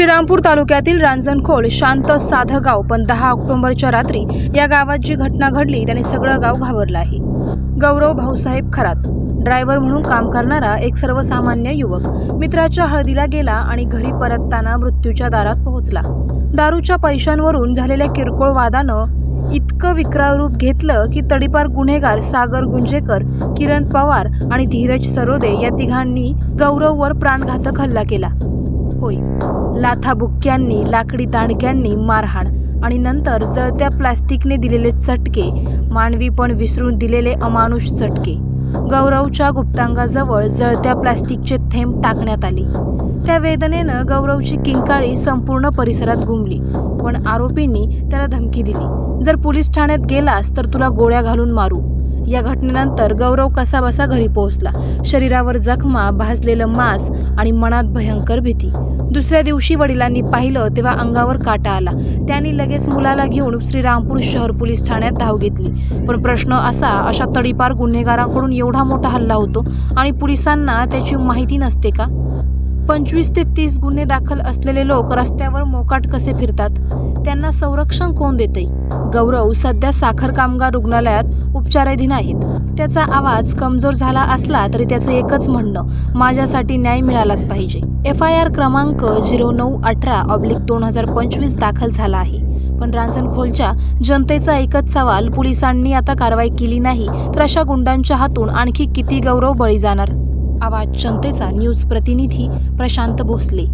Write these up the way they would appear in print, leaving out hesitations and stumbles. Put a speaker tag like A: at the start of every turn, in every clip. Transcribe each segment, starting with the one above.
A: श्रीरामपूर तालुक्यातील रांजणखोल शांत साधं गाव, पण 10 ऑक्टोबरच्या रात्री या गावात जी घटना घडली त्याने सगळं गाव घाबरलं आहे. गौरव भाऊसाहेब खरात ड्रायव्हर म्हणून काम करणारा एक सर्वसामान्य युवक मित्राच्या हळदीला गेला आणि घरी परतताना मृत्यूच्या दारात पोहोचला. दारूच्या पैशांवरून झालेल्या किरकोळ वादानं इतकं विक्राळ रूप घेतलं की तडीपार गुन्हेगार सागर गुंजेकर, किरण पवार आणि धीरज सरोदे या तिघांनी गौरववर प्राणघातक हल्ला केला. होय, लाथाबुक्क्यांनी, लाकडी दांडक्यांनी मारहाण आणि नंतर जळत्या प्लास्टिकने दिलेले चटके, मानवीपण विसरून दिलेले अमानुष चटके. गौरवच्या गुप्तांगाजवळ जळत्या प्लास्टिकचे थेंब टाकण्यात आले. त्या वेदनेनं गौरवची किंकाळी संपूर्ण परिसरात घुमली. पण आरोपींनी त्याला धमकी दिली, जर पोलीस ठाण्यात गेलास तर तुला गोळ्या घालून मारू. या घटनेनंतर गौरव कसाबसा घरी पोहोचला. शरीरावर जखमा, भाजलेलं मांस आणि मनात भयंकर भीती. दुसऱ्या दिवशी वडिलांनी पाहिलं तेव्हा अंगावर काटा आला. त्यांनी लगेच मुलाला घेऊन श्रीरामपूर शहर पोलीस ठाण्यात धाव घेतली. पण प्रश्न अशा तडीपार गुन्हेगारांकडून एवढा मोठा हल्ला होतो आणि पोलिसांना त्याची माहिती नसते का? 25 ते 30 गुन्हे दाखल असलेले लोक रस्त्यावर मोकाट कसे फिरतात? त्यांना संरक्षण कोण देते? गौरव सध्या साखर कामगार रुग्णालयात उपचाराधीन आहेत. त्याचा आवाज कमजोर झाला असला तरी त्याचं एकच म्हणणं, माझ्यासाठी न्याय मिळालाच पाहिजे. FIR क्रमांक 0918/2025 दाखल झाला आहे. पण रांजणखोलच्या जनतेचा एकच सवाल, पोलिसांनी आता कारवाई केली नाही तर अशा गुंडांच्या हातून आणखी किती गौरव बळी जाणार? आवाज जनतेचा न्यूज प्रतिनिधी प्रशांत भोसले.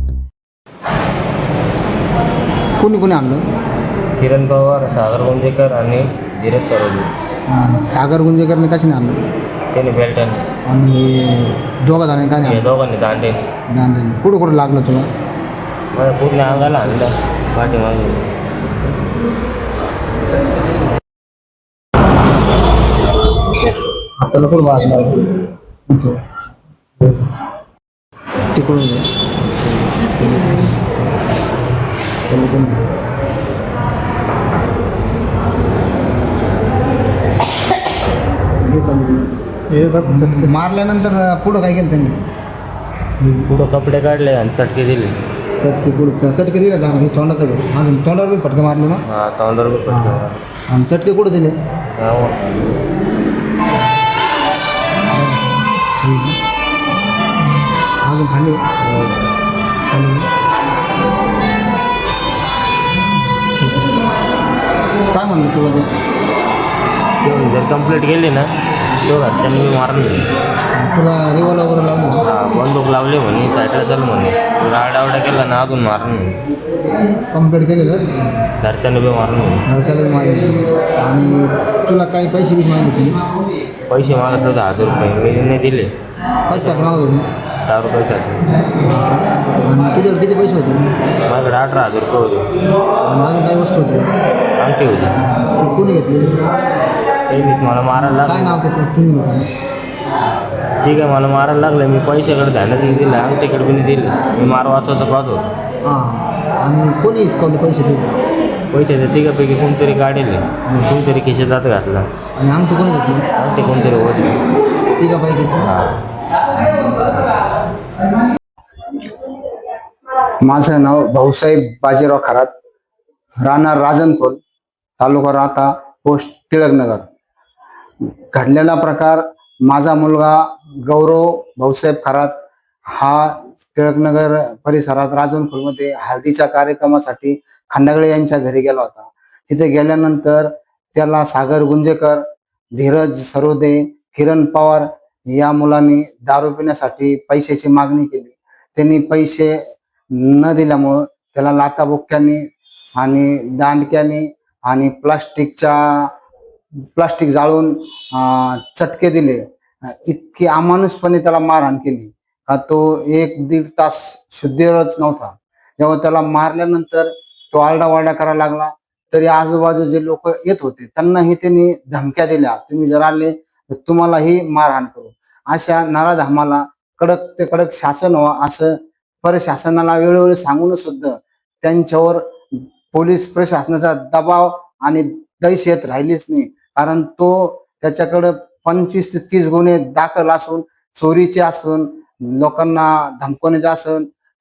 B: कोणी कोणी आणलं?
C: किरण पवार, सागर गुंजेकर आणि धीरज सरोदे.
B: सागर गुंजेकरने कशाने आणलं?
C: त्याने बेल्टाने.
B: आणि दोघा जणांनी काय
C: हे दोघांनी दांडेने.
B: दांडेने. कुठं कुठं लागलं तुला?
C: मला पूर्ण अंगाला आणलं, पाठीमागे.
B: हाताला कुठं वाजला? तिकडून मारल्यानंतर पुढं काय केलं त्यांनी?
C: पुढं कपडे काढले आणि चटके दिले.
B: चटके दिले जाणार हे तोंडाचं घर. अजून तोंडावर बी फटके मारले ना?
C: हा, तोंडावर पण फटके मारले.
B: आणि चटके कुठं दिले? अजून खाली काय म्हणलं तुला?
C: जर कंप्लीट केली ना तो घरच्यांनी मी मारलं.
B: तुला रिवॉल्वर वगैरे लावलं?
C: बंदूक लावली म्हणे, साईडला चालू म्हणे. राडावडा केला ना अजून मारलं.
B: कंप्लीट केले तर
C: घरच्यांनी बी मारलं म्हणे.
B: घरच्याला मागितले. आणि तुला काही पैसे बिसे मागितले?
C: पैसे मागत होते 1000 रुपये, मी नाही दिले.
B: पैशासाठी मागत होते?
C: 10 रुपयासाठी.
B: आणि तुझ्यावर किती पैसे होते?
C: माझ्याकडे 18,000 रुपये होते.
B: आणि अजून काही वस्तू होते?
C: अंगठी होती.
B: ते कोणी घेतली?
C: त्यांनीच मला मारायला
B: काय
C: लागलं.
B: नाव त्याचं? तिने घेतलं.
C: ठीक आहे, मला मारायला लागलं. मी पैशाकडे ध्यानच नाही दिलं, अंगठीकडे बी नाही दिलं. मी मार वाचवायचं पाहत होतो.
B: हां. आणि कोणी हिसकावले पैसे ते?
C: पैशाच्या तिघापैकी कोणतरी काढले, कोणतरी खिशात हात घातला.
B: आणि अंगठी कोणी घेतली?
C: अंगठी कोणतरी होती.
B: तिघा पैकीच? माझं नाव भाऊसाहेब बाजीराव खरात, राहणार रांजणखोल, तालुका राहता, पोस्ट टिळकनगर. घडलेला प्रकार, माझा मुलगा गौरव भाऊसाहेब खरात हा टिळकनगर परिसरात रांजणखोलमध्ये हळदीच्या कार्यक्रमासाठी खंडागळे यांच्या घरी गेला होता. तिथे गेल्यानंतर त्याला सागर गुंजेकर, धीरज सरोदे, किरण पवार या मुलांनी दारू पिण्यासाठी पैशाची मागणी केली. त्यांनी पैसे न दिल्यामुळं त्याला लाथाबुक्क्यांनी आणि दांडक्याने आणि प्लास्टिक जाळून चटके दिले. इतकी अमानुषपणे त्याला मारहाण केली का तो 1-1.5 तास शुद्धीवरच नव्हता. जेव्हा त्याला मारल्यानंतर तो आरडाओरडा करायला लागला तरी आजूबाजू जे लोक येत होते त्यांनाही त्यांनी धमक्या दिल्या, तुम्ही जर आले तर तुम्हालाही मारहाण करू. अशा नराधमाला कडक ते कडक शासन व्हावं असं प्रशासनाला वेळोवेळी सांगून सुद्धा त्यांच्यावर पोलीस प्रशासनाचा दबाव आणि दहशत राहिलीच नाही. कारण तो त्याच्याकडे 25 ते 30 गुन्हे दाखल असून, चोरीचे असून, लोकांना धमकवण्याचे असून,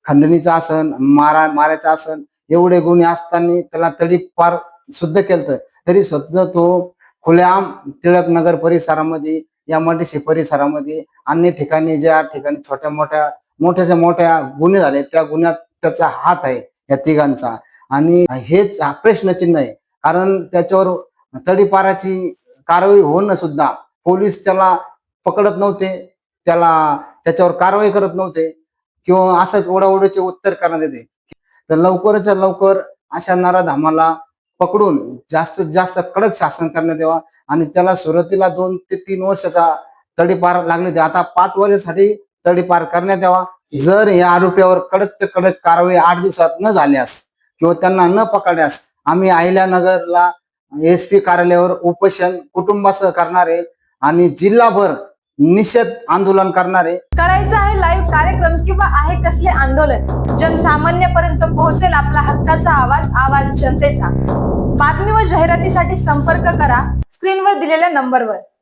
B: खंडणीचं आसन, मारायचं आसन, एवढे गुन्हे असताना त्याला तडीपार सुद्धा केलं, तरी सुद्धा तो खुलेआम टिळक नगर परिसरामध्ये, या मडीशी परिसरामध्ये, अन्य ठिकाणी ज्या ठिकाणी मोठ्याच्या मोठ्या गुन्हे झाले त्या गुन्ह्यात त्याचा हात आहे या तिघांचा. आणि हेच प्रश्नचिन्ह आहे, कारण त्याच्यावर तडीपाराची कारवाई होणं सुद्धा पोलीस त्याला पकडत नव्हते, त्याच्यावर कारवाई करत नव्हते, किंवा असंच ओढाओढीचे उत्तर करण्यात येते. तर लवकरच्या लवकर अशा नराधामाला पकडून जास्तीत जास्त कडक शासन करण्यात यावा आणि त्याला सुरुवातीला 2 ते 3 वर्षाचा तडीपार लागण्यात यावा, आता 5 वर्षासाठी तडीपार करण्यात यावा. जर या आरोपीवर कडक ते कडक कारवाई 8 दिवसात न झाल्यास किंवा त्यांना न पकडल्यास आम्ही अहिल्यानगरला SP कार्यालयावर उपोषण कुटुंबासह करणार आहे आणि जिल्हाभर निषेध आंदोलन करणार आहे.
A: करायचं आहे लाईव्ह कार्यक्रम किंवा आहे कसले आंदोलन, जनसामान्यपर्यंत पोहोचेल आपला हक्काचा आवाज जनतेचा. बातमी व जाहिरातीसाठी संपर्क करा स्क्रीनवर दिलेल्या नंबरवर.